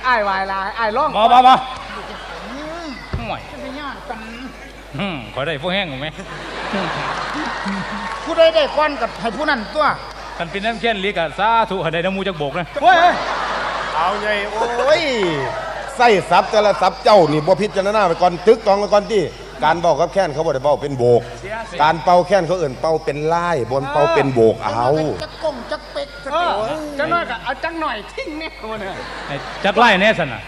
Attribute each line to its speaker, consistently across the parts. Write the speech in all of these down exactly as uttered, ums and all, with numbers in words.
Speaker 1: ไอ้วายลายไอ้ร้อง
Speaker 2: มามามา
Speaker 1: ห่วยจะไปยอดกัน
Speaker 2: อืมขอได้พวกแห้งไหม
Speaker 1: ผู้ใดได้ก้อนกับให้ผู้นั้นตัว
Speaker 2: กันเป็นน้ำแค้นลิกอะสาธุให้ได้น้ำมูจากโบกนะ
Speaker 1: เฮ้ย
Speaker 3: เอาไงโอ้ยไส้ซับแต่ละซับเจ้านี่บ่พิจารณาไปก่อนตึกตองไปก่อนที่การเป่ากับแค้นเขาบ่ได้เป่าเป็นโบกการเป่าแค้นเขาเอื่นเป่าเป็นไล่บนเป่าเป็นโบกเอา
Speaker 1: จักกงจักเป็กจักน้อยกับเอาจักหน่อยทิ้งเนี่ยมันเนี่ย
Speaker 2: จักไล่แน่สันน่ะ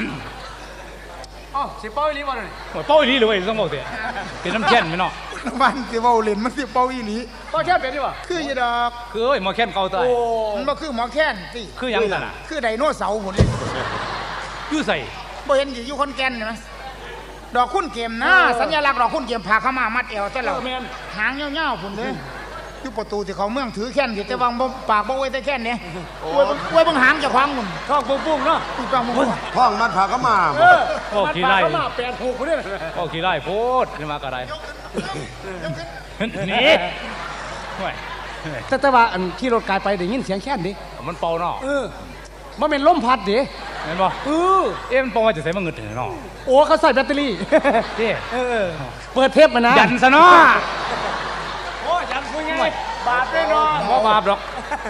Speaker 1: อ๋อสิเป่าอีหลีบ่เลย
Speaker 2: เป่าอีหลีเลยต้องบอกเถอะเป็นน้ำแค้นไหมเนาะ
Speaker 1: มันสิเป่าเล่นมันสิเป่าอีหลีเป่าแค้นเป็นดิวะคือยี่ดอก
Speaker 2: คือเอ้ยหมอแค้นเก่าตาย
Speaker 1: มันบ่คือหมอแค้นสิ
Speaker 2: คือยังสันน่ะ
Speaker 1: คือไดโนเสาร์พุ่นเลย
Speaker 2: ยู่ใส่
Speaker 1: บ่เห็นอยู่คนแก่นใช่ไหมดอกคุ้นเกมนะสัญลักษณ์ดอกคุ้นเกมพาเข้ามามัดเอวแต่เราหางเงาๆพุ่นเลยอยู่ประตูที่เขาเมืองถือแค้นที่แต่วางปากบ่ไว้แต่แค้นเนี่ยไว้ไว้บังหางจะคว้างมุ่น
Speaker 2: ท้องปุ้งๆเนาะ
Speaker 1: ถูกต้องมุ่น
Speaker 3: ท้องมันพาเข้ามา
Speaker 2: โอ้ขี้ไล่แปดหกคนเนี่ยโอ้ขี้ไล่โพดขึ้นมากระไรนี่
Speaker 1: แต่แต่ว่าอันขี่รถกายไปได้ยินเสียงแค้นดิ
Speaker 2: มันเป่าเนาะ
Speaker 1: เออมันเป็นลมพัดดิ
Speaker 2: เห็นป่ะเออเอ็มปองว่าจะใส่มาเงินถึงเนาะ
Speaker 1: โอ้เขาใส่แบตเตอรี่เออเปิดเทปมานะ
Speaker 2: ยันซะเนาะ
Speaker 1: โอ้ยันคุยไงบาปด้วยเนาะ
Speaker 2: ว่าบาปหรอก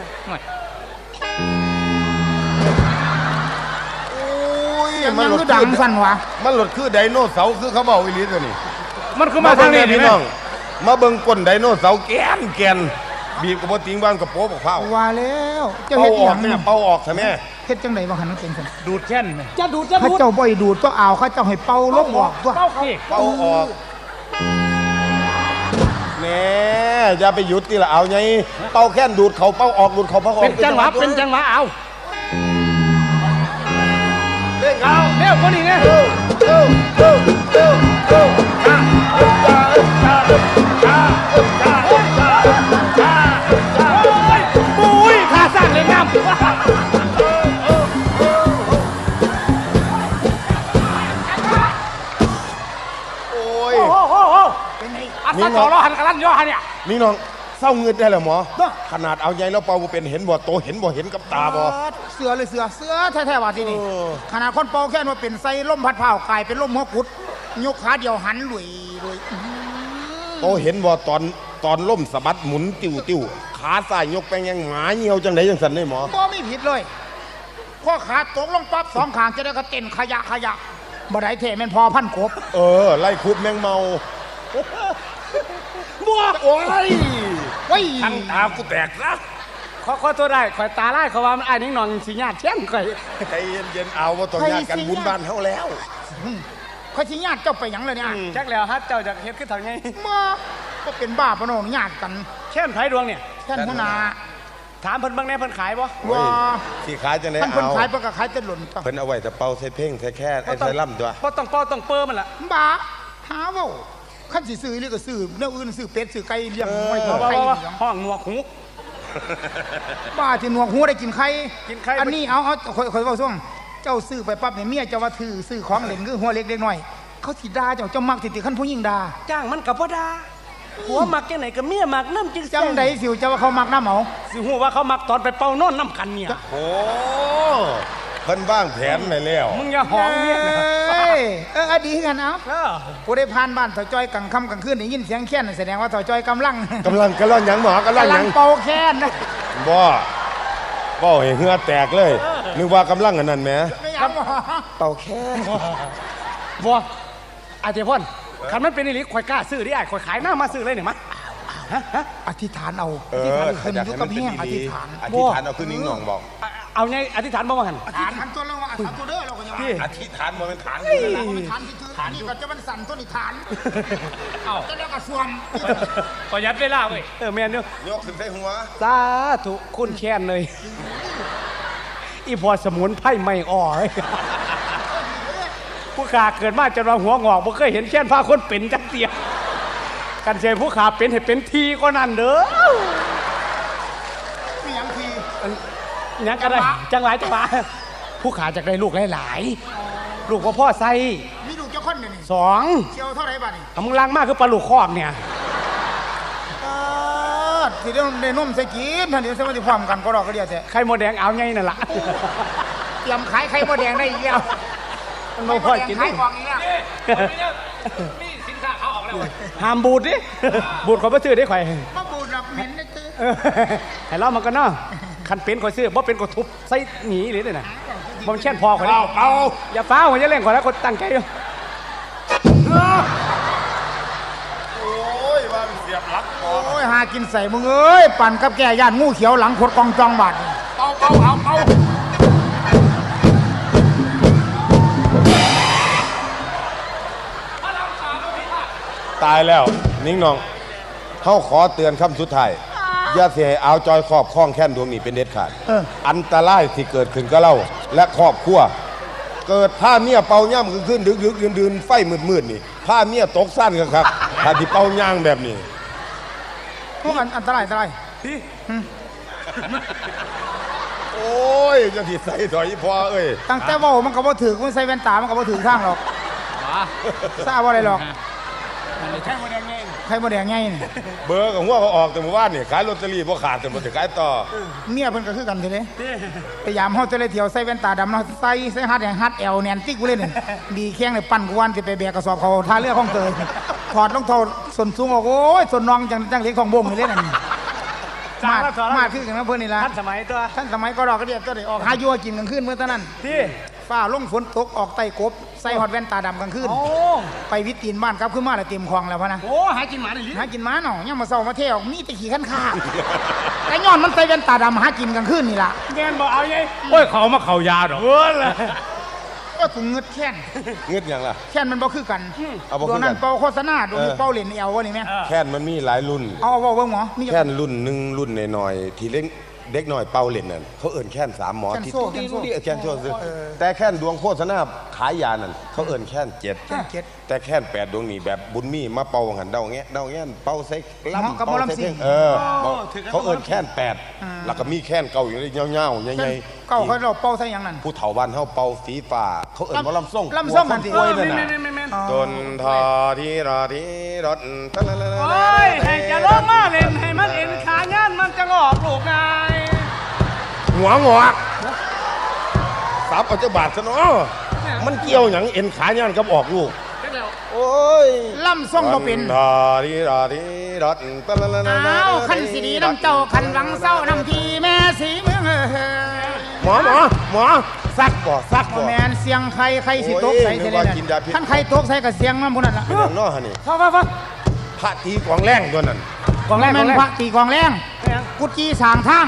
Speaker 3: โอ้ย
Speaker 1: มันคือดังสั่นวะ
Speaker 3: มันหลุดคือไดโนเสาร์คือเขาบอกอีหลีตัวนี้
Speaker 2: มันคือมาทางนี้
Speaker 3: พี่น้องมาเบิ่งก้นไดโนเสาร์แกนแกนบีบกับบ่ติงบ้านกับโป๊บอกเผา
Speaker 1: ว่าแล้ว
Speaker 3: จะเฮ็ดออกแม่เป่าออกใช่ไหม
Speaker 1: เฮ็ดจังได๋บ่คั่นมันเป็นซั่น
Speaker 2: ดูดแค้นแม่
Speaker 1: จะดูดจะดูดเขาเจ้าบ่ดูดก็เอาเขาเจ้าให้เป่าลมออกตัว
Speaker 2: เป่าสิ
Speaker 3: เป่าออกแม่อย่าไปหยุดติล่ะเอาไงเป่าแค้นดูดเขาเป่าออกดูดเขาเป่าออก
Speaker 1: เป็นจังหวะเป็นจังหวะเอา
Speaker 3: เล่นเอา
Speaker 1: เร็วคนนี้ไง
Speaker 3: เร็วเร็วเร็วเร็วเร็วจ้าจ้าจ้าจ้าจ้าจ้าจ้าจ้า
Speaker 1: ปุ้ยขาสั่นเลยน้ำ
Speaker 3: โอ้ย
Speaker 1: โอ้โหโอ้เป็นไงอัดตะจอรอหันกระลันย่อหันเนี่ย
Speaker 3: นี่น้องเศร้าเงินได้เหรอหมอขนาดเอาใหญ่แล้วเป่าเป็นเห็นบ่โตเห็นบ่เห็นกับตาบ่
Speaker 1: เสือเลยเสือเสือแท้ๆว่าที่นี่ขนาดคนเป่าแค่ว่าเป็นไส้ล่มพัดเผากลายเป็นล่มหัวกุดยกขาเดียวหันลุยลุย
Speaker 3: โตเห็นบ่ตอนตอนล่มสะบัดหมุนติ้วติ้วขาซ้ายยกไปยังหมาเหี่ยวจังไดจังสันเลยหมอ
Speaker 1: บ่ไม่ผิดเลยข้อขาตกลงปั๊บสองข้างจะได้ก็เต้นขยะขยะบ่ได้เท่แม่นพอพันกบ
Speaker 3: เออไล่คุบแมงเมา
Speaker 1: บัวโอ้ย
Speaker 3: เฮ้ยทั้งตากูแตกซะ
Speaker 1: ขอขอตัวได้ข่อยตาไล่เขาว่ามันไอ้นิ่งนองสิญาติเช่นข่อย
Speaker 3: ใจเย็นๆเอาว่าต้องญาติกันบุญบ้านเฮาแล้ว
Speaker 1: ข่อยสิญาติเจ้าไปหยังเลยเนี่ย
Speaker 2: จักแล้วฮะเจ้าจากเฮ็ดคือทางไง
Speaker 1: มาก็เป็นบ้าปะโนญาติกัน
Speaker 2: แค่นไผดวงเนี่ย
Speaker 1: แค่นหัวหน้า
Speaker 2: ถามเพิ่นบางแน่เพิ่นขายบ่
Speaker 3: ว่าสิขายจังได๋เอา
Speaker 1: เพิ่นขายเพิ่นก็ขายแต่หล่น
Speaker 3: เพิ่นเอาไว้แต่เป่าใส่เพ่งใส่แค่ไอ้ใส่ล่ำตัว
Speaker 2: บ่ต้องเป่าต้องเปิ้มันล่ะ
Speaker 1: บ้าหาเว้าขั้นสิซื้อนี่ก็ซื้อแนวอื่นซื้อเป็ดซื้อไก่เลี้ยงไว้กินไข่
Speaker 2: ห้องหนวกหู
Speaker 1: บ้าที่หนวกหูได้กินไข่กินไข่อันนี้เอาเอาค่อยๆเว้าซ่วงเจ้าซื้อไปปั๊บเนี่ยเมียเจ้าว่าถือซื้อของเล่นคือหัวเล็กเล็กน้อยเขาสิด่าเจ้าเจ้ามักสิติขั้นผู้หญิงด่า
Speaker 2: จ้างมันก็บ่ด่าหัวมักจังไหนก็เมียมักน้ำจึง
Speaker 1: จังได๋สิเจ้าว่าเขามักน้ำเอา
Speaker 2: สิฮู้ว่าเขามักตอนไปเป่านอนน้ำกันเนี่ย
Speaker 3: โอ้เพิ่นวางแผนไว้แล้ว
Speaker 2: มึงอย่าหอมเมีย
Speaker 1: เอ้ยเออดีกันเอาผู้ได้ผ่านบ้านถอยจ้อยกลางค่ำกลางคืนได้ยินเสียงแค้นแสดงว่าถอยจ้อยกำลัง
Speaker 3: กำลังกำลังหยังหมอกำลังหยัง
Speaker 1: เป่าแค้นนะ
Speaker 3: บ่บ่ให้เหงื่อแตกเลยนึกว่ากำลังอันนั้นแหมเป่าแค้น
Speaker 2: บ่อาเจพ่นคันมันเป็นอีหลีข่อยกล้าซื้อดิอ้ายข่อยขายหน้ามาซื้อเลยเนี่ยมั้ย
Speaker 1: อธิษฐานเอา
Speaker 3: อธิษฐานขึ้นยุกับเฮียอธิษฐานอธิษฐานเอาขึ้นนิ้งหน่องบอก
Speaker 2: เอาไงอธิษฐานบ่ว่าหั่น
Speaker 1: อธิษฐานตัวเราว่าอธิษฐานตัวเด้อเราก็ยังว่า
Speaker 3: อธิษฐานบ่เป็นฐาน
Speaker 1: นี่ฐานที่ถือฐานนี่ก็จะมันสั่นตัวนี่ฐานเอ้าจะแล้วก็ส่วน
Speaker 2: ประหยัดเวลาเว้ยเออแม่นเด้
Speaker 3: อยกขึ้นใส่หัว
Speaker 2: สาธุคุณแค้นเลยอีพอสมุนไพรไม่อ่อผู้ขาเกิดมาจนว่าหัวงอกบ่เคยเห็นแค้นพาคนเป็นจักเตียกันเสียผู้ขาเป็นให้เป็นทีก็นั่นเด้อ
Speaker 1: มีหยังที
Speaker 2: ยังกันได้จังหลายจังหวะผู้ขาจากได้ลูกหลายๆลูกว่าพ่อใส่
Speaker 1: มีลูกเจ้าคนเดี๋ยวนี้
Speaker 2: สอง
Speaker 1: เชียวเท่าไรบ้านี่
Speaker 2: มึงล้างมากคือปลาลูกคอกเนี่ย
Speaker 1: สิเดี๋ยวในนุ่มใส่กินท่านเดี๋ยวสมัยที่พร้อมกันก็รอก็เดียวแต่
Speaker 2: ไข่โมแดงเอาไงนั่นล่ะ
Speaker 1: ตรียมขายไข่มดแดงได้อีกแล้ว
Speaker 2: มัน
Speaker 1: ไข่
Speaker 2: บ่
Speaker 1: ม
Speaker 2: พอ
Speaker 1: ดแดง
Speaker 2: กิน
Speaker 1: ขายออกอีกแล้ว
Speaker 4: นี่สินค้าเขาออกแล้ว
Speaker 2: ห้ามบูดดิบูดเขาบ่ซื้อได้ข่อย
Speaker 1: มาบูดดอกเหม็นนะตื้อ
Speaker 2: เออให้เรามันก็เนาะคันเป็นข่อยซื้อบ่เป็นก็ทุบใส่หนีเลยน่ะบ่มันแช่นพอข่อย
Speaker 3: เอาเอา
Speaker 2: อย่าฟ้าวข่อยจะเล่นข่อยแล้วคนตั้งใจอยู่
Speaker 3: โอ้ยว่ามันเสียบหลักคอ
Speaker 1: โอ้ยหากินใส่มึงเอ้ยปั่นกับแก่ย่านงูเขียวหลังขดกองจองบาดนี่
Speaker 4: เป่าเป่าเอาเป่า
Speaker 3: ตายแล้วนิ่งน้องเขาขอเตือนคำสุดท้ายอย่าเสียเอาจอยครอบคล้องแค่นดวงนี้เป็นเด็ดขาด
Speaker 1: เออ
Speaker 3: อันตรายที่เกิดขึ้นกับเราและครอบครัว เกิดผ้าเมียเป่าย่ำขึ้นขึ้นดึกดึกดื่นดื่นไฟมืดมืดนี่ผ้าเมียตกสั้นกันครับถ้าที่เป่าย่างแบบนี้
Speaker 1: พวกอันอันตรายอันตราย
Speaker 3: โอ้ยจะที่ใส่ถอยพอเอ้ย
Speaker 1: ตั้งแต่เว่ามันก็บ่ถือมันใส่แว่นตามันก็บ่ถือข้างหรอกทราบว่าอะไรหรอก
Speaker 4: ใช่หมดยังไง
Speaker 1: ไข่มดแดงไงนี่
Speaker 3: เบอร์กับหัวเขาออกแต่เมื่อวานนี่ขายลอตเตอรี่บ่ขาดแต่บ่จะขายต่อ
Speaker 1: เมียเพิ่นก็คือกันเท่เลยพยายามเฮาจะเลยเที่ยวใส่แว่นตาดำเนาะใส่ใส่ฮัดแดงฮัดแอลแนนติ๊กกูเลยนี่ดีแข้งเลยปั่นกูวันสิไปแบกกระสอบเขาท่าเรือของเตยถอดรองเท้าส้นสูงออกโอ้ยส้นน้องจังจังเล็กของบ่งนี่เลยนั่นมาดมาดคือกันนะเพิ่นนี่ล่ะ
Speaker 2: ทันสมัยตัว
Speaker 1: ท่านสมัยก็ดอกกระเดียบตัวเดียวออกหายัวกินกลางคืนเมื่อตอนนั้น
Speaker 2: ที่
Speaker 1: ฟ้าลงฝนตกออกไต่กบใส่ฮอดแว่นตาดำกลางคืน
Speaker 2: โอ้
Speaker 1: ไปวิตีนบ้านครับขึ้นมาแล้วเต็มคลองแล้วพะนะ
Speaker 4: โอ้หากินหมาหน่อยดิ
Speaker 1: หากินหม้าหน่อยยังมาเศร้ามาเที่ยวมีแต่ขี่ขันขาไอ้ย้อนมันใส่แว่นตาดำหากินกลางคืนนี่ล่ะ
Speaker 2: แม่นบ่เอาไง
Speaker 4: โอ้ยเขามาเข่ายาดอก
Speaker 2: เออเลย
Speaker 1: ก็ถุงเงืดแค้น
Speaker 3: เงืดหยังล่ะ
Speaker 1: แค้นมันบ่คือกัน
Speaker 3: เอาบ่
Speaker 1: ด
Speaker 3: คือ
Speaker 1: ว
Speaker 3: กัน
Speaker 1: งนั้นเป่าโฆษณาดวงนี้
Speaker 3: เออ
Speaker 1: เป่าเหรียญเอววะนี่แม่
Speaker 3: แค่นมันมีหลายรุ่น
Speaker 1: เอาเอาเบิ่งหมอมี
Speaker 3: แค่นรุ่นหนึ่งรุ่นหน่อยๆที่เล็กเด็กหน่อยเป่าเล่นนั่นเขาเอิ่นแค่นสามหมอ
Speaker 1: แค้น
Speaker 3: ที่
Speaker 1: โซ่แค้นโซ่
Speaker 3: ที่แค่นโซ่ซื้อแต่แค่นดวงโฆษณาขายยานั่นเขาเอิ่นแค่นเจ็ด
Speaker 1: แค้นเจ็ด
Speaker 3: แต่แค่นแปดดวงนี่แบบบุญมีมาเป่าหันเดาแงะเดาแงะเป่าใส่
Speaker 1: เหมาะ
Speaker 3: ลำ
Speaker 1: กับหมอลำซิ่ง
Speaker 3: เออเขาเอิ่นแค่นแปดแล้วก็มีแค่นเก่าอยู่ในเงาๆใหญ่ๆ
Speaker 1: เก้าเขาเราเป่าใส่หยังนั่น
Speaker 3: ผู้เฒ่าบ้านเฮาเป่าสีฟ้าเขาเอิ่นว่าลำส่ง
Speaker 1: ลำส้มนั่นสิ
Speaker 3: กล้วยนั่นน่ะ
Speaker 4: แม่นแม่นแม่น
Speaker 3: ดนทอที่รอที่รถ
Speaker 2: โอ้ยให้จะลงมาเล่นให้มันเอ็นขาย่านมันจะงอกลูกนาย
Speaker 3: หัวงอกสับเอาเจ้าบาทซะเนาะมันเกี่ยวหยังเอ็นขาย่านกับออกลูก
Speaker 4: เจ๊แล้ว
Speaker 3: โอ้ย
Speaker 1: ล่ำส่งบ่เป็น
Speaker 3: ดนทอที่รอที่รถ
Speaker 1: อ้าวคันสีดีน้ำเจ้าคันหวังเศร้าน้ำทีแม่สีเมืองเอ้ย
Speaker 3: หมอหมอหมอซักบ่ซักบ่
Speaker 1: แมนเสียงใครใครสิตกใส่
Speaker 3: โอ้ย
Speaker 1: เท
Speaker 3: นึก
Speaker 1: เล
Speaker 3: ว่า
Speaker 1: นั่
Speaker 3: กินยาพิษ
Speaker 1: นท่านใครตกใส่กับเสียงน้ำพวกนั้นล่ะ
Speaker 3: เป็นหยังเนาะฮะนี่
Speaker 2: ฟังฟังฟัง
Speaker 3: พระตีกวางแรงตัวนั้น
Speaker 2: กองแรก
Speaker 1: แม
Speaker 2: กอง
Speaker 1: น
Speaker 2: แรก
Speaker 1: พระตีกองแรง
Speaker 2: แม่ง
Speaker 1: กุดจีสางทาง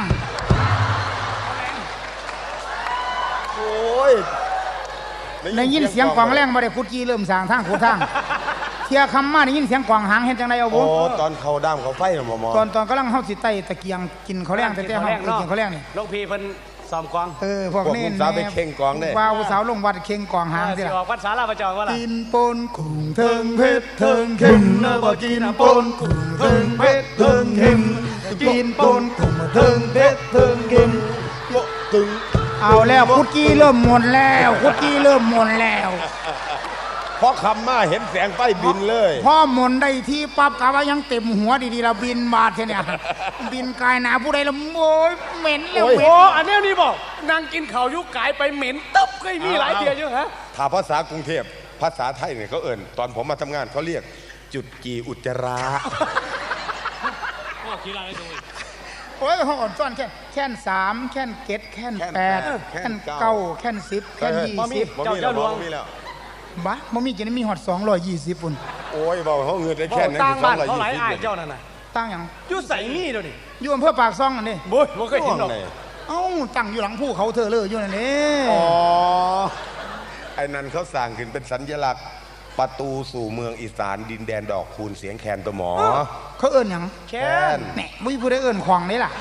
Speaker 3: โอ้ย
Speaker 1: ได้ยินเสียงกองแรงมาได้กุดจีเริ่มสางทางขุดทางเทียคำมาได้ยินเสียงกองหางเห็นจังไดเอา
Speaker 3: โอ้
Speaker 1: บุ
Speaker 3: ตอนเขาด้ามเขาไฟน่ะหมอหมอ
Speaker 1: ตอนตอนกำลังเฮาสิไต่ตะเกียงกินข้าวแรงแต่แต่เฮาไปกินข้าวแรงนี่
Speaker 2: ลงพีเพิ่นซ้อมกอง
Speaker 1: เออพวก
Speaker 3: พวก
Speaker 1: นี้
Speaker 3: ผู้สาวไปเข่งกองได้
Speaker 1: ว่าผู้สาวลงวัดเข่งกองหางสิ
Speaker 2: สิ
Speaker 1: ล่ะ
Speaker 2: ออกภาษาลาวประจองว่าล่ะ
Speaker 1: กินปนกุ้งเทิงเพชรเทิงเข็มนะบ่กินปนกุ้งเทิงเพชรเทิงเข็มกินปนกุ้งเทิงเพชรเทิงเข็ม
Speaker 3: ตึง
Speaker 1: เอาแล้วคุกกี้เริ่มหมดแล้วคุกกี้เริ่มหมดแล้ว
Speaker 3: เพราะคำมาเห็นแสงไฟบินเลย
Speaker 1: พ่อหมดได้ที่ปั๊บกะว่ายังเต็มหัวดีๆเราบินบาดแค่เนี่ยบินกายหนาผู้ใดละโอ้ยเหม็นแล้ว
Speaker 3: โอ้ย
Speaker 1: เหม็
Speaker 2: โอ้
Speaker 1: น
Speaker 2: อันนี้นี่บอกนางกินข้าวยุกกายไปเหม็นตึ๊บเคยมีหลายเดียวอยู่ฮะ
Speaker 3: ถ้าภาษากรุงเทพภาษาไทยเนี่ยเขาเอิ่นตอนผมมาทำงานเขาเรียกจุดกีอุจจาระ
Speaker 4: โอ้ขี้ลายเลยดู
Speaker 1: โอ้ยเขาอ่อนซ่อนแค่แค่นสามแค่นเก็ดแค่นแปดแค่นเก้าแค่นสิบแค่นยี่สิบ
Speaker 3: บ่มีแล้วบ่มีแล้ว
Speaker 1: บ้ามันมีกินมีหอดสองร้อยยี่สิบปุ่น
Speaker 3: โอ้ยบอกเขาเงินได้
Speaker 2: โอ้
Speaker 3: แค่นั้น
Speaker 2: ต่างบ้าน
Speaker 3: คือ
Speaker 2: เขาหลาย
Speaker 3: สองร้
Speaker 2: อ้าย
Speaker 3: ยี่สิบ
Speaker 2: เจ้านั่นน่ะ
Speaker 1: ตั้งอย่าง
Speaker 2: อยู่ใส่นี่เดี๋ยวนี้
Speaker 1: อยู่อำเภอปากซ่องอันนี้
Speaker 2: บุ้ยบ่เคยเห็นหรอก
Speaker 1: เอ้าตั้งอยู่หลังภูเขาเธอเลยอยู่นั่นนี่
Speaker 3: อ๋อไอ้นั่นเขาสร้างขึ้นเป็นสัญลักษณ์ประตูสู่เมืองอีสานดินแดนดอกคูณเสียงแคนตัวหมอ
Speaker 1: เขาเอิ้นหยัง
Speaker 2: แค่น
Speaker 1: แหน่ไม่ผู้ใดเอิ้นขวางนี่ล่ะ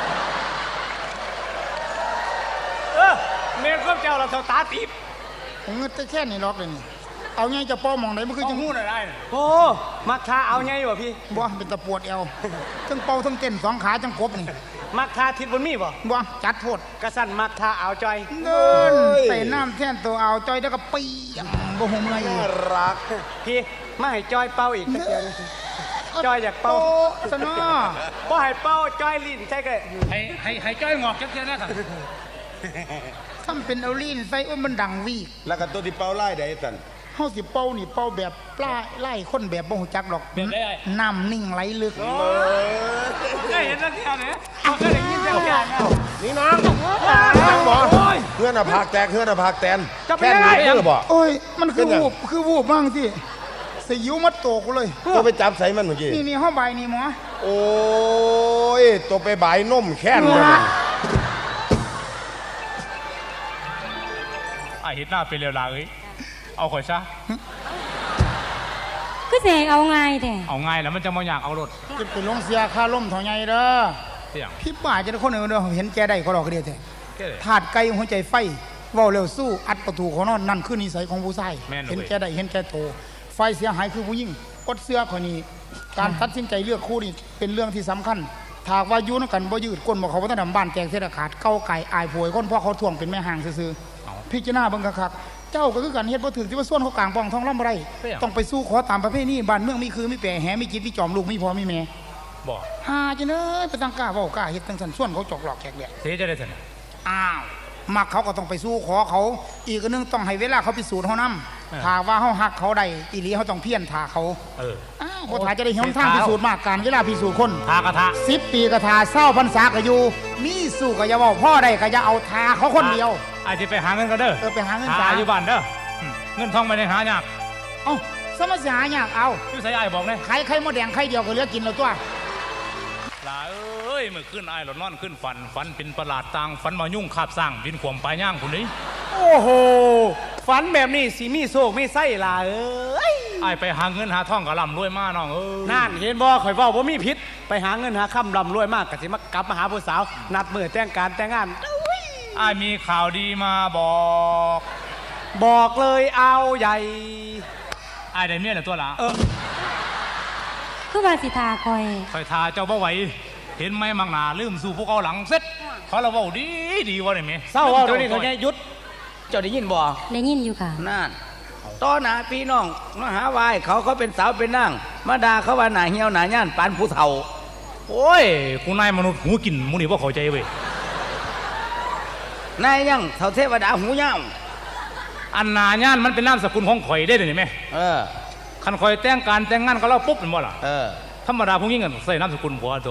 Speaker 2: เออเมนก็เจ้าเราเท่าตาตีบ
Speaker 1: ผมเงินแต่แค่นี้ล็อกเลยนี่เอาไงจะป้อมองไหนมันคือจังหู้
Speaker 4: หน่อยได้น่ะ
Speaker 2: โอ้มักทาเอาไงวะพี่
Speaker 1: บ่เป็นตะปวดเอวทั้งเป่าทั้งเต้นสองขาจังกบนี่
Speaker 2: มักทาทิศบนมีบ่
Speaker 1: บ่จัดโทษ
Speaker 2: กระสันมักทาเอาจอย
Speaker 1: เดินใส่น้ำแท่นตัวเอาจอยแล้วก็ปีอ่ะบ่หูเมื่อยอีก
Speaker 3: รัก
Speaker 2: พี่มาให้จอยเป่าอีกตะเกียงจอยอยากเป่า
Speaker 1: โตสนอ
Speaker 2: บ่ให้เป่าจอยลิ้นใช่ก็
Speaker 4: ให้ให้ให้จ้อยงอกจักเทียนะครับ
Speaker 1: ทำเป็นเอาลีนใส่โอ้ยมันดังวีก
Speaker 3: แล้วก็ตัวที่เป่าไล่ได้สั่น
Speaker 1: เฮาสิเป่านี่เป่าแบบปลาไล่คนแบบบ่ฮู้จักดอก
Speaker 4: แบบได้ไอ้
Speaker 1: น้ำนิ่งไหลลึก
Speaker 4: ได้เห็นแล้วที่อะไรเขาเคยได้ยินเสียงแก่เนี่ย
Speaker 3: นี่น้องจังบ่เพื่อนอะพากแตกเพื่อนอะพากแตนแค่นี้เพื่อบ่
Speaker 1: โอ้ยมันคือ
Speaker 3: เป็นไง
Speaker 1: วูบคือวูบบ้างที่สยิวมัดโตกูเลย
Speaker 3: ตัวไปจับใส่มันเมื่อกี้
Speaker 1: นี่นี่ห้องใบนี่หมอ
Speaker 3: โอ้ยตัวไปบายนมแค้นเลย
Speaker 4: ไอ้เห็นหน้าเป็นเร็วลาเอ้ยเอาข่อยซะ
Speaker 5: ก็แสงเอาไงแต่
Speaker 4: เอาง่ายแล้วมันจะมาอยากเอารถ
Speaker 1: จะไปลงเสียค่าล่มเท่าไงเด้อ
Speaker 4: เสียง
Speaker 1: พี่ป่าจะได้คนอื่นเด้อเห็นแกได้เขาดอกกระเดียวแท้
Speaker 4: แค่เลย
Speaker 1: ถาดไก่หัวใจไฟเว้าเร็วสู้อัดประตูเขานอนนั่นคือนิสัยของผู้ชาย
Speaker 4: แม่นเว้ย
Speaker 1: เห็นแกได้เห็นแกโตไฟเสียหายคือผู้หญิงกดเสื้อคนนี้ การตัดสินใจเลือกคู่นี่เป็นเรื่องที่สำคัญถากว่าอยุ่นำกันบ่ยืดก้นบอกเขาว่าถ้าดำบ้านแตกเทศขาดเก้าไก่อายผวยคนเพราะเขาท่วงเป็นแม่ห่างซื่อๆพิจารณาเบิ่งคักๆเจ้าก็คือกันเฮ็ดบ่ถึงที่ว่าส่วนเขากลางปองท้องล่ำไรต้องไปสู้ขอตามประเพณีบ้านเมืองมีคือมีแปรแหมีจิตมีจอมลูกมีพ่อมีแม่
Speaker 4: บอก
Speaker 1: หาจังเด้อไปตั้งกล้าเว้ากล้าเฮ็ดจังซั่นส่วนเขาจอกหลอกแขกแดก
Speaker 4: เสียจะได้สน
Speaker 1: อ้าวมักเขาก็ต้องไปสู้ขอเขา อีกอันหนึงต้องให้เวลาเขาพิสูจน์เขานำถ้าว่าเขาหักเขาได้อีหลีเขาต้องเพี้ยนท่าเขา
Speaker 4: เออ
Speaker 1: อ้าวเขาถ่ายจะได้เห็นทางพิสูจน์มากการเวลาพิสูจน์คน
Speaker 4: ทากระทะ
Speaker 1: สิบปีกระทาเศร้าพรรษาก็อยู่ มีสู้ก็อย่าบอกพ่อได้ก็อย่าเอาทาเขาคนเดียว
Speaker 4: ไอ้ที่ไปหาเงินก็เด้อ
Speaker 1: เออไปหาเงิน
Speaker 4: หา
Speaker 1: สา
Speaker 4: อยู่บ้านเด้ออืมเงินทองไม่ได้หายาก
Speaker 1: เอ้าสมัสหายากเอา
Speaker 4: ชื่อใส่ไอ้บอกเนี่ย
Speaker 1: ไข่ไข่มดแดงไข่เดียวก็เหลือกินแล้วตัว
Speaker 4: ลาเอ้ยเมื่อคืนไอ้หลอนนอนขึ้นฝันฝันเป็นประหลาดต่างฝันมายุ่งคาบสร้างบินขวมปลายย่างคนนี้
Speaker 2: โอ้โหฝันแบบนี้สิมีโศกมีไส้ล่ะเอ้ย
Speaker 4: ไอ้ไปหาเงินหาทองกะลำรวยมาน้องเอ้ย
Speaker 2: นั่นเห็นบ่ข่อยเว้าบ่มีพิษไปหาเงินหาค่ำร่ำรวยมากก็สิมากลับมาหาผู้สาว นัดมื้อแต่งการแต่งงาน
Speaker 4: ไอ้มีข่าวดีมาบอก
Speaker 2: บอกเลยเอาใหญ่
Speaker 4: ไอ้ได้เมียแล้วตัวละ
Speaker 2: เออ
Speaker 5: คือว่าสิทาคอย
Speaker 4: คอยทาเจ้าบ่ไหวเห็นไหมมังหนาลืมสู่พวกเขาหลังเสร็จเขาเราเว้าดีดีวะเนี่ยแม่
Speaker 2: เศร้าเว้าเดี๋ยวนี้เขาแย่หยุด เจ้าได้ยินบ่
Speaker 5: ได้ยินอยู่ค่ะ
Speaker 6: นั่นต้อนหนาพี่น้องมาหาวายเขาเขาเป็นสาวเป็นนางมาด่าเขาว่าหนาเหี่ยวหนาย่านปานผู้เฒ่า
Speaker 4: โอ้ยกูนายมนุษย์หูกินมูนี่ว่าเข้าใจเว้ย
Speaker 6: นายยังเฒ่าเทวดาหูยาว
Speaker 4: อันนาย่านมันเป็นนามสกุลของข่อยได้เลยนี่แม่
Speaker 6: เออ
Speaker 4: คันข่อยแต่งการแต่งงานก็เล่าปุ๊บเป็นบ่ล่ะ
Speaker 6: เออ
Speaker 4: ธรรมดาพวกนี้กันใส่นามสกุลผัวตัว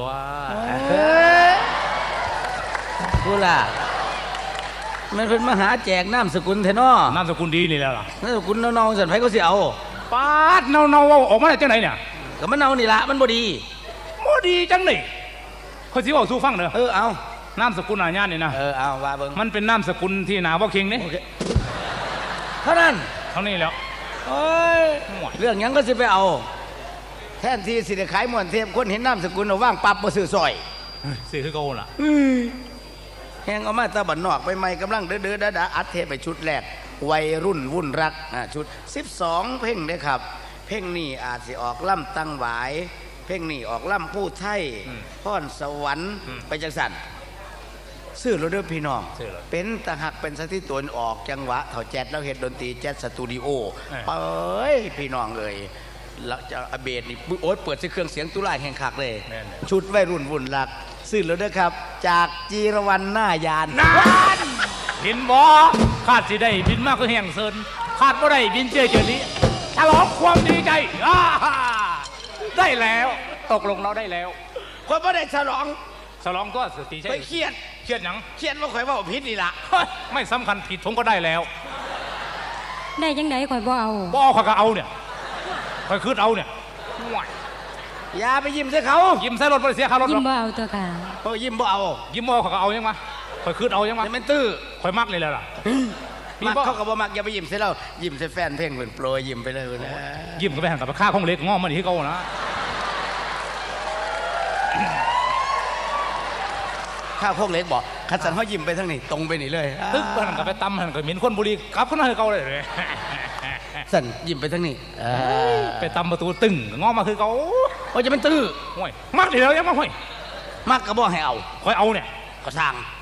Speaker 6: กูล่ะมันเป็นมหาแจกน้ำสกุลเทนอน
Speaker 4: ามสกุลดีนี่แหละล่ะ
Speaker 6: น้ำสกุลน้องๆสันไผก็สิเอา
Speaker 4: ปาดเนาเนาๆออกมาได้จังไหนเนี่ย
Speaker 6: ก็มันเอานี่ละมันบ่ดี
Speaker 4: บ่ดีจังไหนข่อยสิเว้าสู่ฟังเด้อ
Speaker 6: เออเอา
Speaker 4: นามสกุลอาญานี่นะ
Speaker 6: เออเอาว่าเบิ่ง
Speaker 4: มันเป็นนามสกุลที่หนาบ่เก่งนี่
Speaker 6: โอเคเท่านั้น
Speaker 4: เท่านี้แล้ว
Speaker 6: โอ้ยเรื่องหยังก็สิไปเอา แทนที่สิได้ขายม่วนเทพคนเห็นน้ำสกุลเอาว่างปับบ่ซื้อซอย
Speaker 4: สิคือเก่าล่ะ
Speaker 6: แหงเอามาตะบันนอกไปใหม่กำลังเด้อเด้อดาดาอัดเทปไปชุดแรกวัยรุ่นวุ่นรักอ่าชุดสิบสองเพลงเด้อครับ เพลงนี้อาจสิออกล่ำตั้งหวาย เพลงนี้ออกล่ำผู้ไทยพรสวรรค์ไปจังสันซื้อรถเด้อพี่น้อง
Speaker 4: ซื้อเลย
Speaker 6: เป็นตะหักเป็นสถิตวนออกจังหวะเถ่าแจ๊ดแล้วเฮ็ดดนตรีแจ๊ดสตูดิโอ
Speaker 4: เออ
Speaker 6: เอ้ยพี่น้องเอ้ยแล้วจะอเบดนี่ปุ๊ยโอ๊ยเปิดใช้เครื่องเสียงตุลาแห่งคักเลย
Speaker 4: แม่นเลย
Speaker 6: ชุดวัยรุ่นวุ่นรักซื้อแล้วเด้อครับ จากจีรวรรณหน้ายาน
Speaker 4: เห็นบ่คาดสิได้บินมากก็แห่งเซินคาดบ่ได้บินเจอเจอนี้ฉลองความดีใจอ่าได้แล้วตกลงเราได้แล้ว
Speaker 6: คนบ่ได้ฉลอง
Speaker 4: ฉลองตัวสติใช่
Speaker 6: ไปเครียด
Speaker 4: เครียดหยัง
Speaker 6: เครียดว่าข่อยเว่าผิดนี่ล่ะ
Speaker 4: เฮ้ยไม่สำคัญผิดผมก็ได้แล้ว
Speaker 5: ได้จังไดคอยบ่เอา
Speaker 4: บ่เอาเขาก็เอาเนี่ยคอยคืดเอาเนี่ยห่วย
Speaker 6: อย่าไปยิ้มใส่เขา
Speaker 4: ยิ้มใส่รถบ่ได้เสียค่ารถห
Speaker 5: ยิ้
Speaker 4: ร
Speaker 5: ม
Speaker 4: อก
Speaker 5: บ่เอาตัวค่ะ
Speaker 6: เออยิ้มบ่เอา
Speaker 4: ยิ้มบ่เอาเขาก็เอายังวะคอยคืดเอายังวะ
Speaker 6: อย่ามันตื้อ
Speaker 4: คอยมักเลยแหละล่ะ มี
Speaker 6: มัก
Speaker 4: บ่
Speaker 6: เขาก็บ่มักอย่าไปยิ้มใส่เรายิ้มใส่แฟนเพลงเพิ่นโปรยยิ้มไปเลยนะ
Speaker 4: ยิ้มก็ไปหันกับไปฆ่าของเล็กง้อมันอีกที่เขานะ
Speaker 6: ข้าวโคกเล็กบอกคัดสันเขายิ้มไปทางนี้ตรงไปนี่เลย
Speaker 4: ตึ๊กไปหันกับไปตำหันกับหมิ่นคนบุรีกลับขึ้นมาคือเขาเลย
Speaker 6: สันยิ้มไปทางนี้เออ
Speaker 4: ไปตำประตูตึงง้อมาคือเขา
Speaker 6: โอ้ยจะเป็นตื้อ
Speaker 4: ห่วยมักเดี๋ยวยังมาห่วย
Speaker 6: มักก็บ่ให้เอา
Speaker 4: คอยเอาเนี่ย
Speaker 6: ก็สร้าง